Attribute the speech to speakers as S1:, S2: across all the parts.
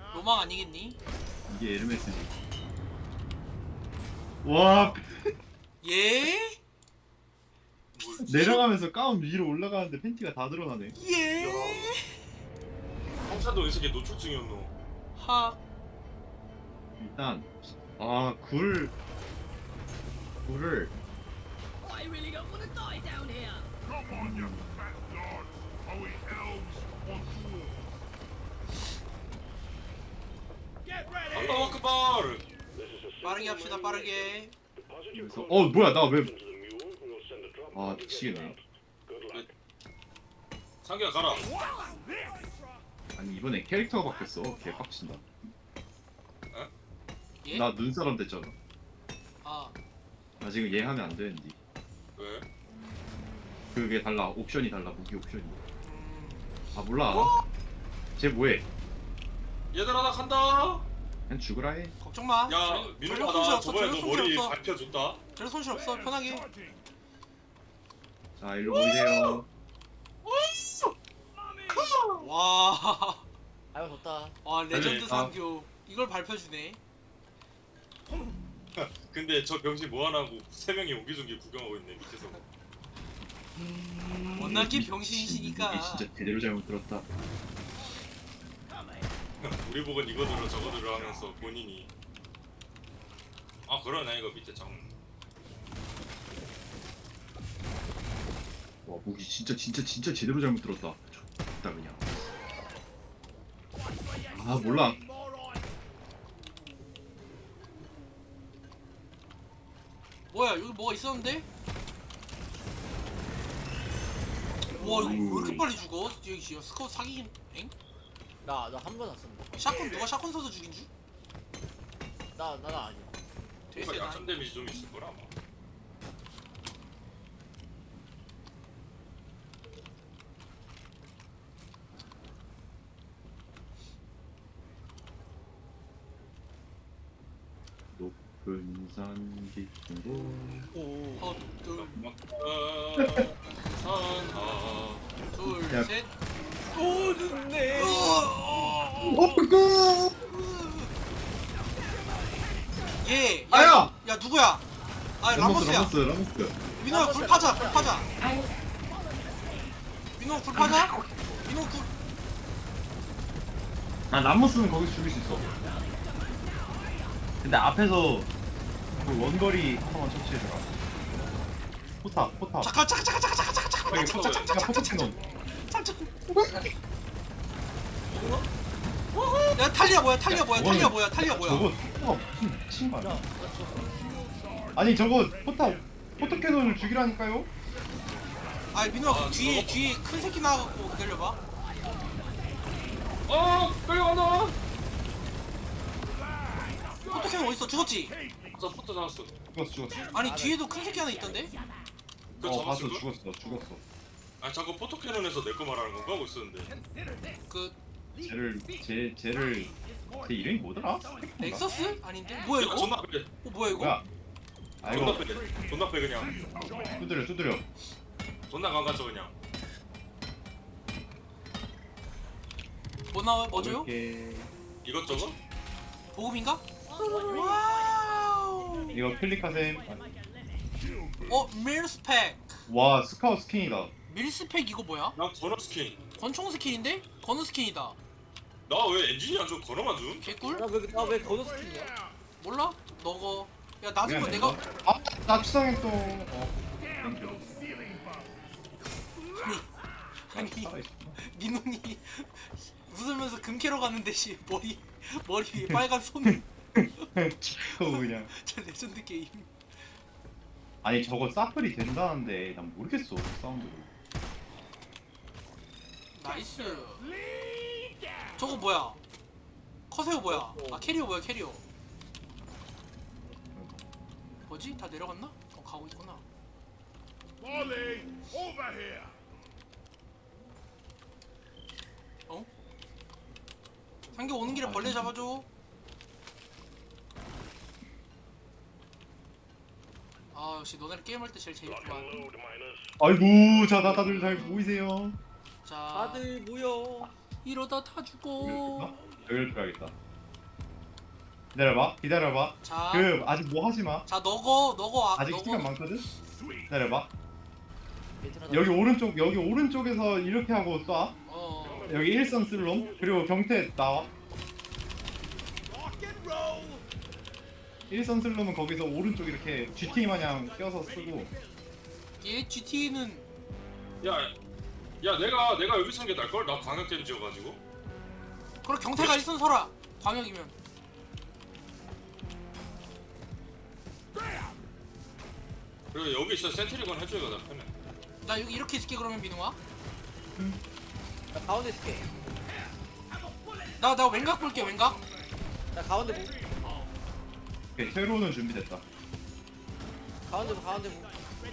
S1: 로망 아니겠니?
S2: 이게 에르메스지. 와
S1: 예?
S2: 내려가면서 가운 위로 올라가는데 팬티가 다 드러나네.
S1: 예?
S3: 성찬도 이 새끼 노출증이었노.
S1: 하.
S2: 일단 굴을
S4: I really don't want to die down here.
S3: 알라후 아크바르.
S1: 빠르게 합시다 빠르게.
S2: 그래서 뭐야 나 왜 미치겠네.
S3: 상규야 가라.
S2: 아니 이번에 캐릭터가 바뀌었어. 개빡친다.
S1: 예?
S2: 나 눈사람 됐잖아.
S1: 아.
S2: 나 지금 얘 하면 안 되는데.
S3: 왜?
S2: 그게 달라. 옵션이 달라. 무기 옵션이. 아 몰라.
S1: 어?
S2: 쟤 뭐해?
S3: 얘들아 나 간다.
S2: 그냥 죽으라 해.
S1: 걱정 마.
S3: 야 민호가 나 저번에 너 머리 밟혀줬다.
S1: 전혀 손실 없어. 편하게.
S2: 자 일로 모이세요.
S1: 와.
S4: 아유 좋다.
S1: 와 레전드
S2: 아.
S1: 상교. 이걸 발표주네.
S3: 근데 저 병신 뭐 하나고 3명이 옹기종기 구경하고 있네 밑에서.
S1: 워낙에 병신이시니까.
S2: 이게 진짜 제대로 잘못 들었다.
S3: 우리 보곤 이거 들어 저거 들어 하면서 본인이 아 그러네 이거 밑에 장.
S2: 와 무기 진짜 제대로 잘못 들었다. 좋다 그냥. 아 몰라.
S1: 뭐야 여기 뭐가 있었는데? 와 이거 왜 이렇게 빨리 죽어? 여기 스카우트 사기긴 엥?
S4: 나 한 번 왔습니다.
S1: 샷건 누가 샷건 써서 죽인 줄?
S4: 나 아니야.
S1: 되게
S3: 뭔가
S1: 세다.
S3: 약점 데미지 좀 있을 거라 아마.
S2: 높은 산 깊은 곳.
S1: 어, 둘,
S3: 산하
S1: 둘,
S2: 야.
S1: 셋.
S4: 오 늦네.
S2: 어이구.
S1: 예.
S2: 아야!
S1: 야 누구야? 아 라모스야.
S2: 라모스.
S1: 민호야 굴 파자. 굴 파자. 민호 굴 파자. 민호 굴.
S2: 아 라모스는 거기서 죽일 수 있어. 근데 앞에서 그 원거리 하나만 처치해줘라. 포탑.
S1: 잠깐.
S2: 그냥 포탑 캐논.
S1: 야 탈리아 뭐야? 탈리아 뭐야?
S2: 저거 포탑 무슨 미친 거 아니야? 아니 저거 포탑 캐논을 죽이라니까요?
S1: 아 민호야 그 뒤에 큰 새끼 나와갖고 기다려봐.
S3: 끌려간다.
S1: 포토캔 어딨어? 죽었지?
S3: 저 포터 잡았어.
S2: 죽었어.
S1: 아니 뒤에도 큰 새끼 하나 있던데?
S3: 그거
S2: 봤어.
S3: 잡았을 걸?
S2: 죽었어.
S3: 아 자꾸 포토캐논에서 내 거 말하는 건가 하고 있었는데.
S1: 그
S2: 쟤 이름이 뭐더라?
S1: 넥서스? 아닌데? 뭐야 이거?
S3: 존나 빼.
S1: 뭐야 이거?
S2: 뭐야?
S3: 존나
S2: 아이고
S3: 빼. 존나 빼 그냥.
S2: 두드려.
S3: 존나 강간쳐 그냥.
S1: 뭐 나와? 뭐죠?
S2: 이렇게
S3: 이것저것?
S1: 보급인가? 와우.
S2: 이거 클릭하셈.
S1: 밀스펙.
S2: 와 스카우트 스킨이다.
S1: 밀스펙 이거 뭐야?
S3: 난 건어 스킨.
S1: 권총 스킨인데? 건우 스킨이다.
S3: 나 왜 엔진이 안 줘? 건어만 줌?
S1: 개꿀?
S4: 나왜 거도 스킨이야?
S1: 몰라? 너거. 야 나중에
S2: 미안해,
S1: 내가
S2: 나 추상했어.
S1: 아니 민훈이 웃으면서 금캐러 갔는데 씨 머리 위에 빨간 손.
S2: 그냥.
S1: 저 레전드 게임.
S2: 아니 저거 사플이 된다는데 난 모르겠어 사운드를.
S1: 나이스. 저거 뭐야? 커세어 뭐야? 아 캐리어 뭐야 캐리어? 뭐지? 다 내려갔나? 가고 있구나.
S5: Molly, over here.
S1: 어? 상규 오는 길에 벌레 잡아줘. 아 역시 너네랑 게임할 때 제일 재밌구만.
S2: 아이고 자 다들 잘 보이세요.
S1: 자
S4: 다들 모여.
S1: 이러다 다 죽어.
S2: 여기를 들어야겠다. 기다려봐. 기다려봐.
S1: 자,
S2: 그 아직 뭐 하지 마.
S1: 자 너거
S2: 아직 시간 많거든. 기다려봐.
S4: 베트남
S2: 여기 오른쪽에서 이렇게 하고 쏴. 여기 일선 슬롬. 그리고 경태 나와. 일선 슬롬은 거기서 오른쪽 이렇게 GT 마냥 껴서 쓰고.
S1: 얘 GT는
S3: 야 내가 여기 서는 게 날걸? 나 광역 데미지여가지고.
S1: 그럼 경태가 일선 서라. 광역이면.
S3: 그리고 여기 있어 센트리건 해줘야 나 편해.
S1: 나 여기 이렇게 있을게 그러면 민우아.
S4: 나 가운데 있을게.
S1: 나 왼각 볼게 왼각.
S4: 나 가운데 보.
S2: 오케이, 퇴로는 준비됐다.
S4: 가운데 보. 가운데 보.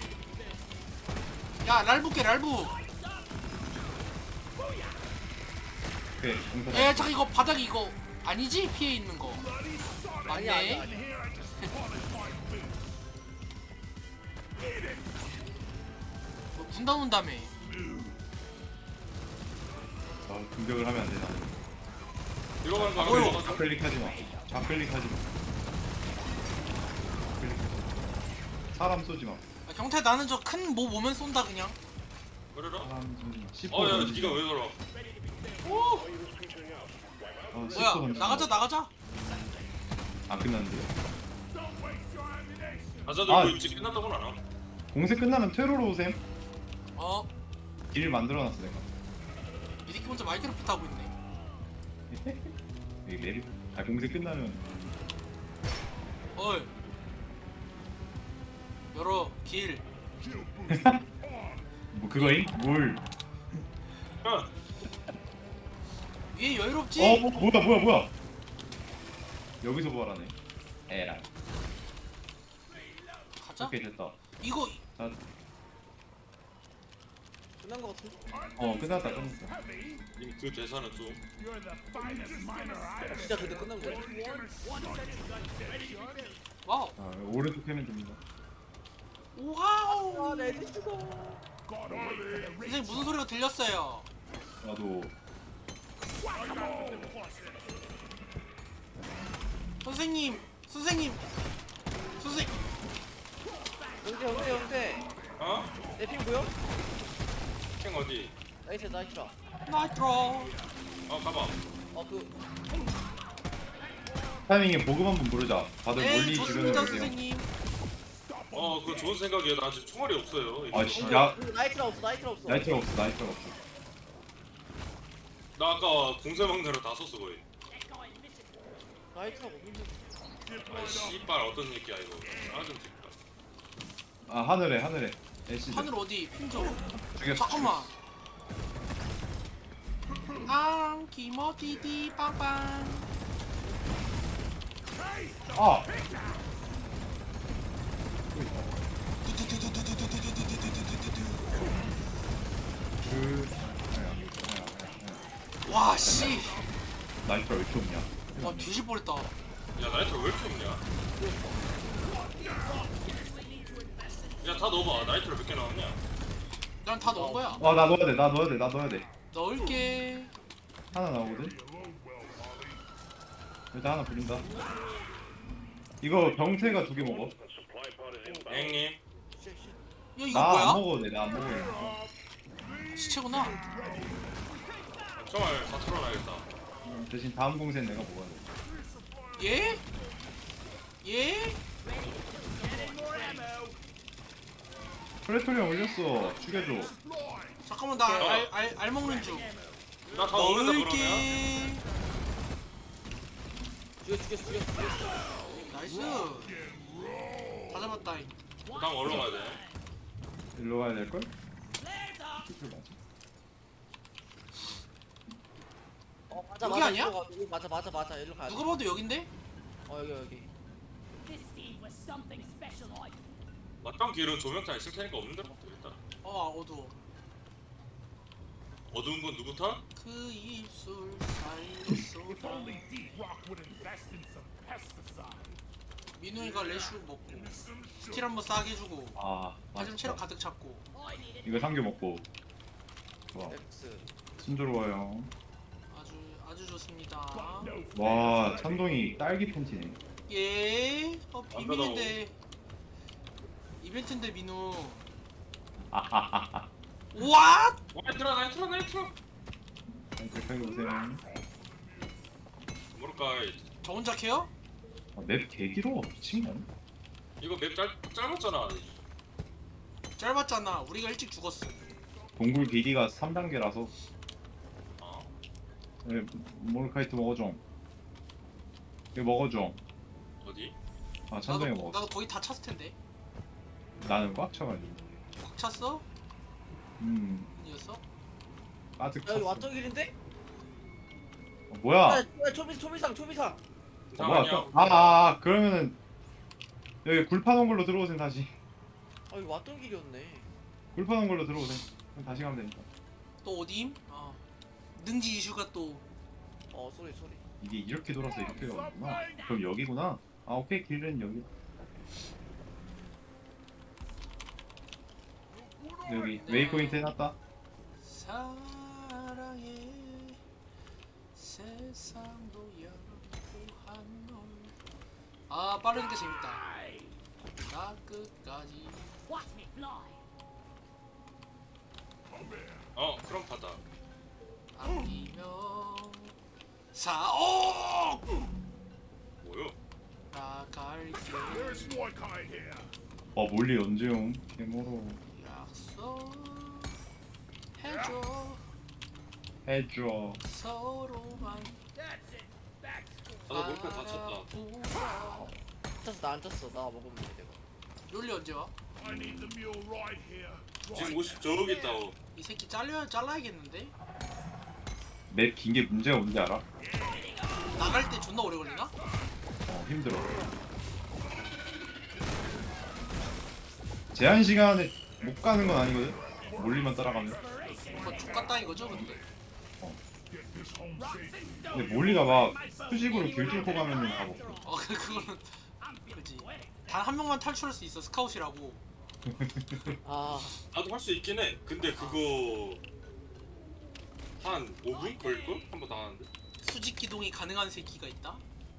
S1: 야 랄 볼게 랄부.
S2: 오케이, 경태.
S1: 에 잠깐 이거 바닥이 이거 아니지? 피해 있는 거.
S4: 아니야 아니야.
S1: 맞네.
S4: 아니야.
S1: 너 군단 온다며.
S2: 공격을 하면 안 돼, 나는.
S3: 이거 가는 거
S1: 뭐요?
S3: 알아?
S2: 좌클릭하지 마. 좌클릭하지 마. 좌클릭하지 마. 사람 쏘지 마.
S1: 야, 경태 나는 저 큰 모 오면 쏜다 그냥.
S3: 그래라?
S2: 사람 쏘지 마. 10%
S3: 어야
S2: 던지지
S3: 니가
S2: 마.
S3: 왜 걸어?
S2: 어, 10%
S1: 뭐야
S2: 던지지 마.
S1: 나가자.
S2: 안 끝났는데요.
S3: 아자들
S2: 아.
S3: 뭐 입지 끝났다고는 안 하고.
S2: 공세 끝나면 퇴로로 오셈.
S1: 어?
S2: 길 만들어놨어 내가.
S1: 이 새끼 혼자 마이크로프트 하고 있네.
S2: 여기 내리. 공세 끝나면
S1: 어이. 열어 길.
S2: 뭐 그거임? 뭘?
S3: 야
S1: 위에 여유롭지?
S2: 뭐야? 여기서 부활하네. 에라.
S1: 가자.
S2: 오케이 됐다.
S1: 이거
S2: 자,
S4: 끝난 거 같은데.
S2: 끝났다.
S3: 님 그 대사는 좀.
S4: 진짜 근데 끝난 거야.
S1: 와우.
S2: 오른쪽 해면 됩니다.
S1: 와우.
S4: 아 레디 죽어.
S1: 선생님 무슨 소리가 들렸어요?
S2: 나도
S1: 선생님.
S4: 형제.
S3: 어?
S4: 내 핑 보여?
S3: 캥 어디?
S4: 나이스 나이스라.
S1: 나이트로.
S3: 어 가봐.
S4: 그
S2: 타이밍에 보급 한번 부르자. 다들
S1: 네
S2: 멀리 주변에
S1: 좋습니다
S2: 오세요.
S1: 선생님.
S3: 그거 좋은 생각이야. 나 지금 총알이 없어요.
S2: 아 진짜?
S4: 나이트라 없어. 나이트라 없어.
S2: 나이트가 없어.
S3: 나 아까 공세 막내로 다 썼어 거의.
S4: 나이트라 없는데.
S3: 아 씨발 어떤 새끼야 이거. 아좀 새끼야.
S2: 아 하늘에. 애쉬.
S1: 하늘 어디? 핑저.
S2: 죽였어.
S1: 잠깐만. 기모디디 빵빵.
S2: 아.
S1: 와 씨.
S2: 나이트가 왜 이렇게 없냐?
S1: 와 뒤질 뻔했다.
S3: 야 나이트로 왜 이렇게 없냐? 야 다 넣어봐. 나이트로 몇 개 나왔냐?
S1: 난 다 넣은 거야.
S2: 나 넣어야 돼.
S1: 넣을게.
S2: 하나 나오거든. 일단 하나 부린다. 이거 병태가 2개 먹어.
S3: 형님.
S1: 야 이거
S2: 나 안
S1: 뭐야?
S2: 먹어도 돼. 나 안 먹어도 돼.
S1: 시체구나.
S3: 총알 다 털어놔야겠다.
S2: 대신 다음 공세는 내가 먹어야 돼.
S1: 예? 예?
S2: 프레토리아 올렸어. 죽여줘.
S1: 잠깐만 나 알 먹는 중.
S3: 나 다 먹는다 그러면.
S1: 넣을게.
S4: 죽였어.
S1: 나이스. 다 잡았다잉.
S3: 다음 얼로 가야 돼.
S2: 일로 가야 될걸?
S4: 맞아.
S1: 여기 아니야?
S4: 이거 맞아. 일로 가야 돼.
S1: 누가 봐도 여긴데?
S4: 여기.
S3: 맞당 길은 조명탄 있을 테니까 없는 데로 가도 되겠다.
S1: 어두워.
S3: 어두운 건 누구 탓?
S1: 그 입술 살쏘다.
S5: Only Deep Rock would invest in some pesticide.
S1: 민우이가 레슈 먹고 스틸 한번 싸게 주고 하지만 체력 가득 찼고.
S2: 이거 상교 먹고. 좋아.
S4: X.
S2: 순조로워요.
S1: 아주 좋습니다.
S2: 와 찬동이 딸기 팬티네.
S1: 예. 비밀인데. 이벤트인데 민우.
S2: 아하하하.
S1: 와!
S3: 나이트라
S2: 그렇게 보세요.
S3: 모를까
S1: 저 혼자 캐요?
S2: 맵 개길어 미친 거 아니야?
S3: 이거 맵 짧았잖아.
S1: 짧았잖아. 우리가 일찍 죽었어.
S2: 동굴 길이가 3단계라서
S3: 아
S2: 모르카이트 먹어줘. 이거 먹어줘.
S3: 어디?
S2: 아 찬동이
S1: 나도
S2: 먹었어.
S1: 거의 다 찼을 텐데.
S2: 나는 꽉 차가지고.
S1: 꽉 찼어? 아니었어?
S2: 가득
S4: 야 여기
S2: 찼어.
S4: 왔던 길인데?
S2: 뭐야?
S4: 야 초비상
S2: 뭐야?
S3: 아니야.
S2: 그러면은 여기 굴 파놓은 걸로 들어오세요 다시.
S4: 아 여기 왔던 길이었네.
S2: 굴 파놓은 걸로 들어오세요. 그럼 다시 가면 되니까.
S1: 또 어디임? 능지 이슈가 또.
S4: 쏘리
S2: 이게 이렇게 돌아서 이렇게 가는구나. 그럼 여기구나. 아 오케이 길은 여기. 여기 웨이포인트 해놨다.
S1: 사랑의 세상도 양보한 널. 빠르니까 재밌다. 나 끝까지.
S3: 그럼 받아.
S1: 아니면 사옥
S3: 뭐요?
S1: 나갈게.
S5: There's Mordecai here.
S2: 몰리 언제 용? 개모로
S1: 약속해줘.
S2: 해줘.
S1: 서로만
S3: 나도 몰카 다쳤다.
S4: 안 쪘어 나 안 쪘어. 나 먹으면 돼 내가.
S1: 롤리 언제 와?
S5: I need the mule right here.
S3: 지금 50 저기 있다고.
S1: 이 새끼 잘라야겠는데?
S2: 맵 긴 게 문제가 뭔지 알아?
S1: 나갈 때 존나 오래 걸리나?
S2: 힘들어. 제한 시간에 못 가는 건 아니거든. 몰리만 따라가면.
S1: 그거 족같다 이거죠 근데.
S5: Get this home safe.
S2: 근데 몰리가 막 수직으로 길 뚫고 가면은 다 먹고.
S1: 그거는 그지. 단 한 명만 탈출할 수 있어 스카웃이라고.
S4: 아
S3: 나도 할 수 있긴 해. 근데 그거 한 5분 걸릴걸? 한 번 다 하는데.
S1: 수직 기동이 가능한 새끼가 있다.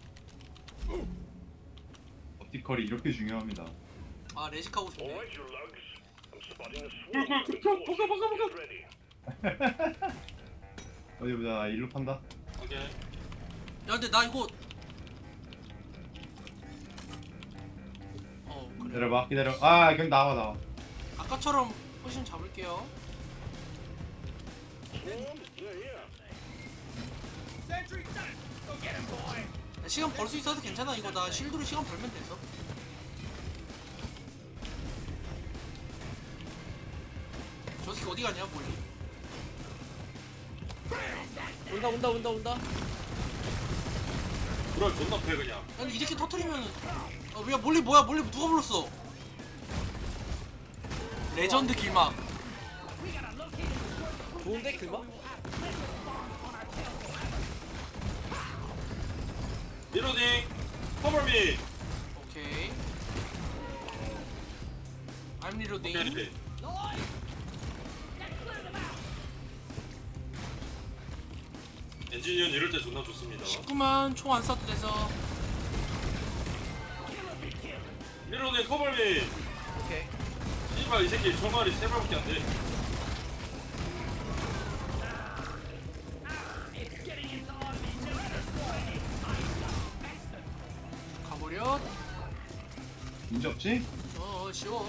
S2: 버티컬이 이렇게 중요합니다.
S1: 레식 하고 싶네.
S2: 어디 보자. 나 일로 판다.
S3: 오케이.
S1: 야 근데 나 이거 그래.
S2: 기다려봐. 기다려. 그냥 나와.
S1: 아까처럼 포지션 잡을게요. 야, 시간 벌 수 있어서 괜찮아. 이거 나 실드로 시간 벌면 돼서. 저 새끼 어디 가냐 몰리.
S4: 온다.
S3: 그럼 존나 패 그냥.
S1: 야, 근데 이 새끼 터트리면 야 몰리 뭐야 몰리 누가 불렀어? 레전드 길막.
S4: 좋은데 그거?
S3: 리로딩. 커버미.
S1: 오케이. I'm reloading.
S3: 오케이. 엔지니어는 이럴 때 존나 좋습니다.
S1: 19만 총 안 쏴도 돼서.
S3: 리로딩 커버미.
S4: 오케이.
S3: 씨발 이 새끼 총알이 3발밖에 안 돼.
S1: 가버려.
S2: 문제 없지?
S1: 쉬워.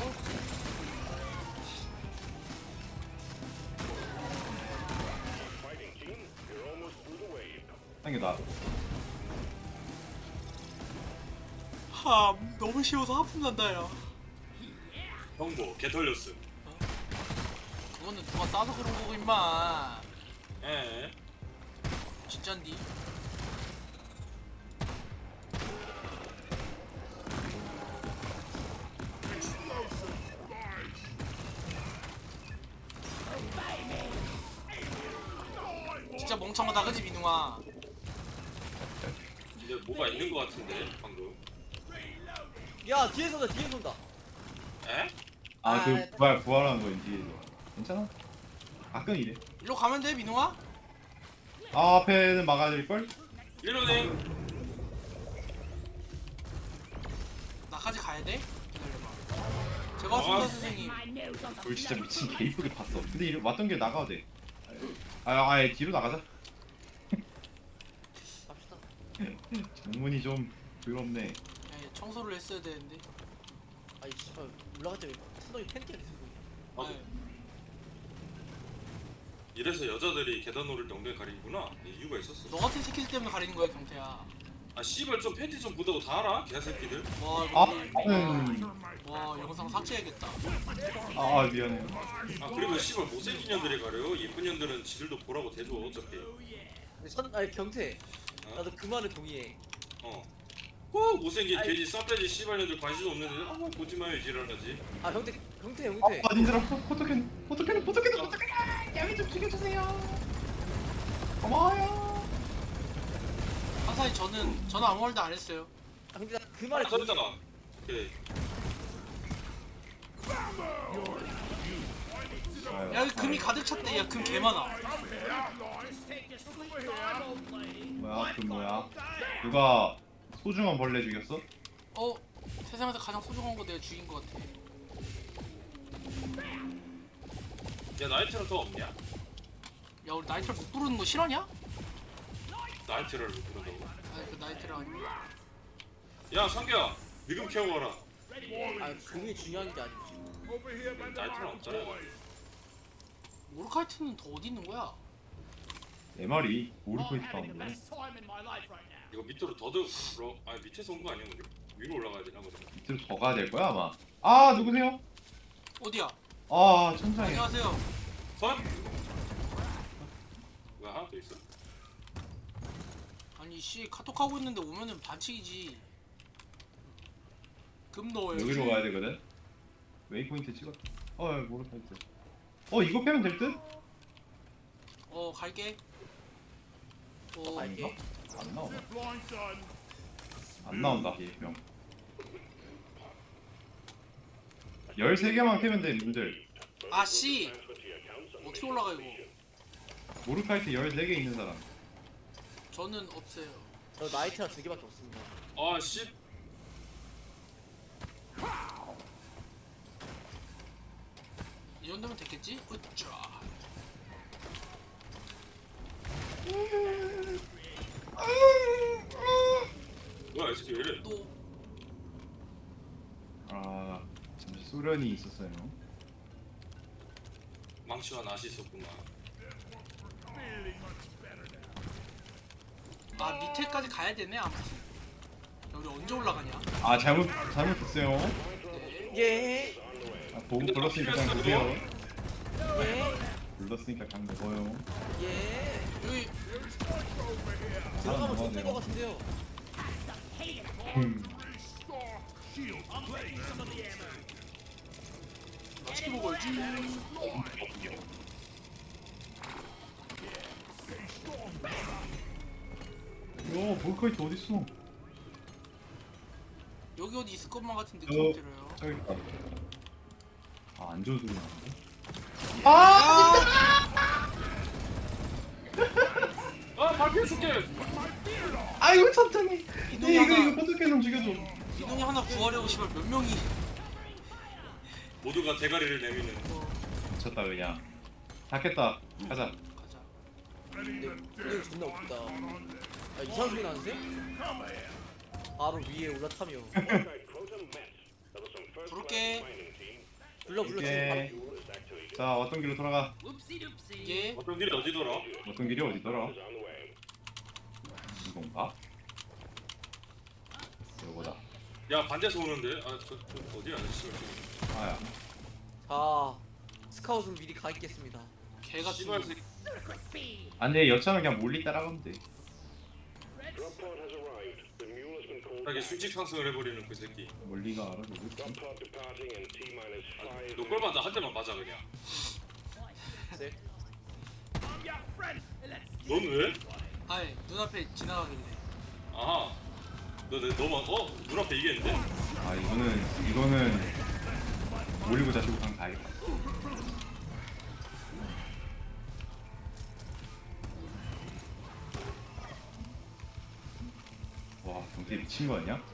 S2: 당겨다.
S1: 너무 쉬워서 하품 난다 야.
S3: 형보 개 털렸음.
S1: 그거는 누가 싸서 그런 거고 임마.
S3: 에.
S1: 진짠디. 진짜 멍청하다 그지 민웅아.
S3: 근데 뭐가 있는 거 같은데 방금.
S4: 야 뒤에서 온다.
S3: 에?
S2: 부활하는 거 뒤에서. 괜찮아? 가끔 이래.
S1: 일로 가면 돼 민웅아?
S2: 아, 앞에는 막아야 될걸?
S3: 리로딩.
S1: 나까지 가야 돼? 기다려봐. 제가 순서 선생님.
S2: 그걸 진짜 미친 개 이쁘게 봤어. 근데 왔던 길 나가도 돼. 아예 뒤로 나가자.
S4: 갑시다.
S2: 장문이 좀 더럽네.
S1: 예, 청소를 했어야 되는데.
S4: 아이 씨발 올라갈 때 천둥이 팬티가 계속 보이네.
S1: 아,
S3: 이래서 여자들이 계단 오를 때 엉덩이 가리는구나. 이유가 있었어.
S1: 너 같은 새끼들 때문에 가리는 거야 경태야.
S3: 아 씨발 좀 팬티 좀 보다고 다 알아? 개새끼들.
S1: 와
S2: 아,
S1: 이거 와 영상 삭제해야겠다.
S2: 미안해.
S3: 아 그리고 씨발 못생긴 년들이 가려요. 예쁜 년들은 지들도 보라고 대줘 어차피.
S4: 근데 아니 경태. 나도 그 말에 동의해.
S3: 꼭 못생긴 돼지 쌈돼지 씨발 년들 관심 없는데 아무 보지 마요 지랄하지.
S4: 아 경태.
S2: 아, 님들아, 포토캔. 양이 좀 죽여주세요. 고마워요.
S1: 항상 저는 아무 말도 안 했어요.
S4: 아 근데 나 그 말에
S3: 아
S4: 동의.
S3: 저러잖아. 오케이.
S1: 야 여기 금이 가득 찼대. 야 금 개 많아.
S2: 뭐야, 그 뭐야? 누가 소중한 벌레 죽였어?
S1: 세상에서 가장 소중한 거 내가 죽인 거 같아.
S3: 야 나이트는 더 없냐?
S1: 야 우리 나이트를 못 부르는 거 싫어냐?
S3: 나이트를 부른다고?
S1: 아니 그 나이트를 아니야.
S3: 야 상규야 미금 키워봐라.
S4: 아 금이 중요한 게 아니지.
S3: 나이트는 없잖아.
S1: 모르카이트는 더 어디 있는 거야?
S2: 내 말이 오르코이트 가는 거야.
S3: 이거 밑으로 아니 밑에서 온 거 아니야 우리? 위로 올라가야 되나 그러면?
S2: 밑으로 더 가야 될 거야 아마. 아, 누구세요?
S1: 어디야?
S2: 아, 천장에.
S1: 안녕하세요.
S3: 선? 왜 하나 더 있어?
S1: 아니 씨 카톡 하고 있는데 오면은 반칙이지. 금 넣어요.
S2: 여기로 가야 되거든. 웨이포인트 찍어. 모르카이트. 이거 빼면 될 듯?
S1: 갈게.
S4: 갈게.
S2: 안 나오나? 안 나온다, 얘 명. 13개만 캐면 돼, 님들.
S1: 아씨 어떻게 올라가 이거?
S2: 모르카이트 14개 있는 사람.
S1: 저는 없어요.
S4: 저 나이트가 2개밖에 없습니다.
S3: 아 씨.
S1: 이 정도면 됐겠지? 으쌰.
S3: 뭐야 이 새끼 왜 이래?
S1: 또
S2: 아, 잠시 소련이 있었어요.
S3: 망치와 낫이 있었구나.
S1: 밑에까지 가야 되네 아무튼. 여기 언제 올라가냐?
S2: 아, 잘못했어요.
S1: 네.
S4: 예.
S2: 보고
S3: 근데
S2: 불렀으니까
S3: 다
S2: 그냥
S3: 필요했어,
S2: 보세요.
S4: 예.
S2: 불렀으니까 그냥 먹어요.
S4: 예.
S1: 여기
S4: 들어가면
S2: 먹어야
S4: 좋을
S2: 돼요.
S4: 것 같은데요.
S1: 맛있게 먹어야지.
S2: 모르카이트 어딨어?
S1: 여기 어디 있을 것만 같은 느낌이
S2: 저-
S1: 들어요.
S2: 저기 있다. 안 좋은 소리 나는데?
S3: 아 발표해줄게.
S2: 아이고, 천천히.
S1: 이놈이
S2: 이거
S1: 하나
S2: 포토캔 좀 죽여줘.
S1: 이놈이 하나 구하려고 씨발 몇 명이.
S3: 모두가 대가리를 내미는.
S2: 미쳤다 그냥. 다 깼다. 가자.
S1: 가자.
S4: 근데 분위기 존나 웃기다. 아 이상한 소리 나는데? 바로 위에 올라타며.
S1: 부를게.
S4: 불러
S2: 오케이.
S4: 지금
S2: 자, 왔던 길로 돌아가.
S1: 예.
S3: 어떤 길이 어디더라?
S2: 왔던 길이 어디더라? 이건가? 이거다.
S3: 야 반대서 오는데. 저 어디야 아저씨?
S2: 아야.
S4: 자 스카웃은 미리 가 있겠습니다.
S1: 개가
S3: 씨발
S1: 죽는.
S3: 새끼.
S2: 안 돼, 여차는 그냥 몰리 따라가면 돼.
S3: 자기 수직 상승을 해버리는 그 새끼.
S2: 몰리가 알아, 누구지?
S3: 너 꼴마다 한 대만 맞아 그냥.
S4: 네.
S3: 넌 왜?
S1: 아예 눈앞에 지나가길래.
S3: 아하. 너만 눈앞에 이게 있는데?
S2: 아, 이거는 몰리고 자시고 그냥 가야겠다. 와 경태 미친 거 아니야?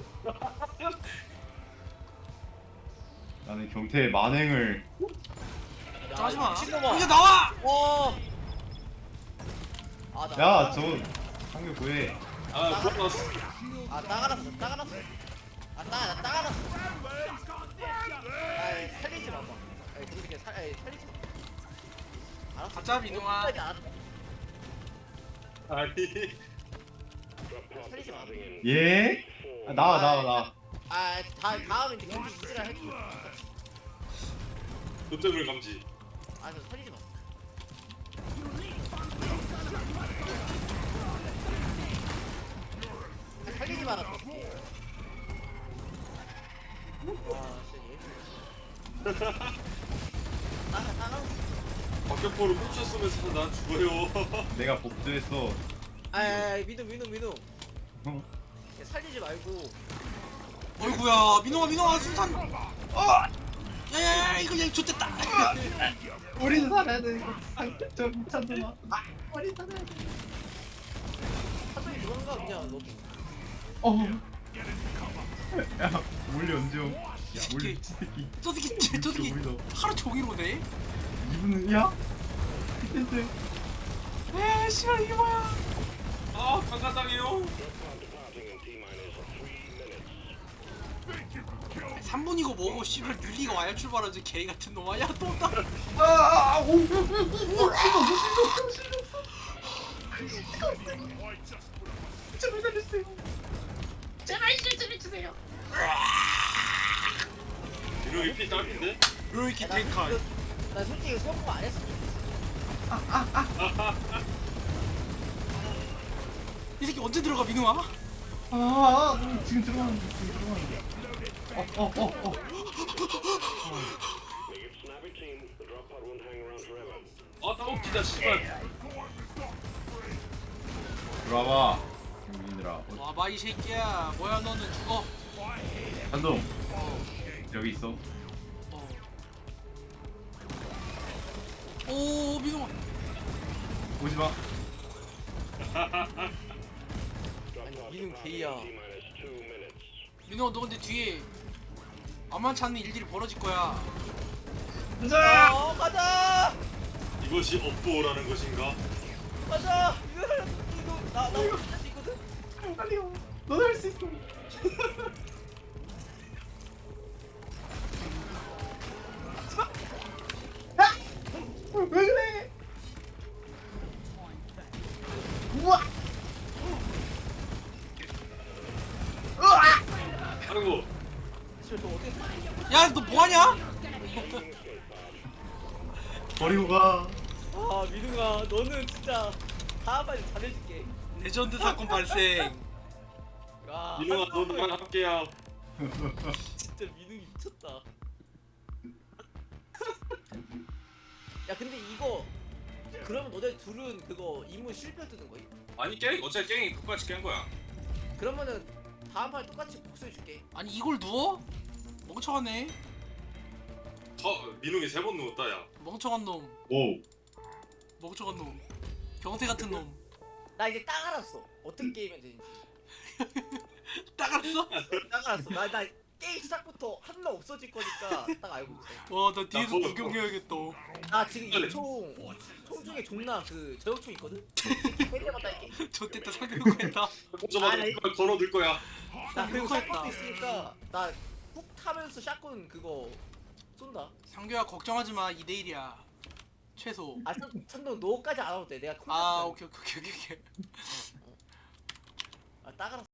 S2: 나는 경태의 만행을
S1: 하지마.
S4: 미친놈아.
S1: 이제 나와.
S4: 어. 아, 나.
S2: 야 저 상교 구해.
S3: 아 플러스.
S4: 아, 따가랐어. 따가랐어. 아, 나 따가랐어. 아이, 살리지 마. 아이, 그렇게 살리지 마. 알았어.
S1: 가자, 민웅아.
S4: 끝까지 알았어.
S3: 아니.
S4: 살리지 마.
S2: 예? 아, 나와.
S4: 아, 다음에 이제 경기 이지라 해줘.
S3: 노tem을 감지.
S4: 아, 저 살리지 마. 아, 살리지 마라. 저 새끼. 와, 진짜 얘. 따가.
S3: 박격포를 꽂혀 쏘면서 난 죽어요.
S2: 내가 복수했어.
S4: 아, 민우.
S2: 어?
S4: 야, 살리지 말고.
S1: 어이구야, 민웅아 순산. 야야야, 이거 얘 좋댔다.
S2: 우리는 살아야 돼. 저 미쳤나? 우리 살아야 돼.
S4: 사정이 누군가 그냥 너.
S2: 야 몰리 언제 옴? 야 몰리
S1: 새끼.
S2: 미친 새끼.
S1: 저 새끼
S2: 우리도.
S1: 하루 종일 오네.
S2: 이분은 야? 피텐스.
S1: 에, 씨발 이게 뭐야?
S3: 아 강간당해요.
S1: 3분이고 뭐고 씨발 뮬리가 와야 출발하지 개 같은 놈아. 야 또 온다.
S3: 이놈이 피 딸핀데?
S1: 로이키
S4: 나
S1: 탱카.
S4: 나 솔직히 성공 안 했어.
S1: 이 새끼 언제 들어가 민웅아?
S2: 지금 들어가는데.
S3: 아 따먹기다 씨발.
S2: 들어와봐. 경민들아.
S1: 와봐 이 새끼야. 뭐야 너는 죽어.
S2: 한동 여기 있어.
S1: 오 민웅아.
S2: 오지 마.
S4: 아니 민우 개야.
S1: 민웅아 너 근데 뒤에 만만치 않은 일들이 벌어질 거야.
S4: 가자.
S3: 이것이 업보라는 것인가?
S4: 가자. 이거 나 이거 할수 있거든.
S2: 빨리 와. 너도 할 수 있어. 왜 그래?
S3: 아이고.
S4: 씨발 너 어떻게?
S1: 야 너 뭐하냐?
S2: 버리고 가.
S4: 아 민우가 너는 진짜 다음번에 잘해줄게.
S1: 레전드 사건 발생.
S4: 아,
S3: 민호아 너만 함께야.
S4: 진짜 민우이 미쳤다. 야 근데 이거 그러면 너네 둘은 그거 임무 실패 뜨는 거임?
S3: 아니 깽 어차피 깽이 똑같이 깬 거야.
S4: 그러면은 다음 판에 똑같이 복수해줄게.
S1: 아니 이걸 누워? 멍청하네.
S3: 민웅이 3번 누웠다 야.
S1: 멍청한 놈.
S2: 오.
S1: 멍청한 놈. 경태 같은 놈.
S4: 나 이제 딱 알았어. 어떤 게임이 되는지.
S1: 딱 알았어?
S4: 딱 알았어. 나 게임 시작부터 한 명 없어질 거니까 딱 알고 있어.
S1: 와 나 뒤에서
S3: 나
S1: 구경해야겠다.
S4: 나 지금 이 총 중에 존나 그 저격총 있거든? 때려봤다 할게.
S1: 저때다 상대놓고 했다.
S3: 저마다
S4: 아니.
S3: 걸어둘 거야.
S4: 나 그리고
S1: 그거 했다.
S4: 샷건도 있으니까 나 훅 타면서 샷건 그거 쏜다.
S1: 상규야 걱정하지 마. 2대1이야. 최소.
S4: 아 천동 너까지 안 와도 돼. 내가 콩
S1: 아 오케이.
S4: 아 따가라.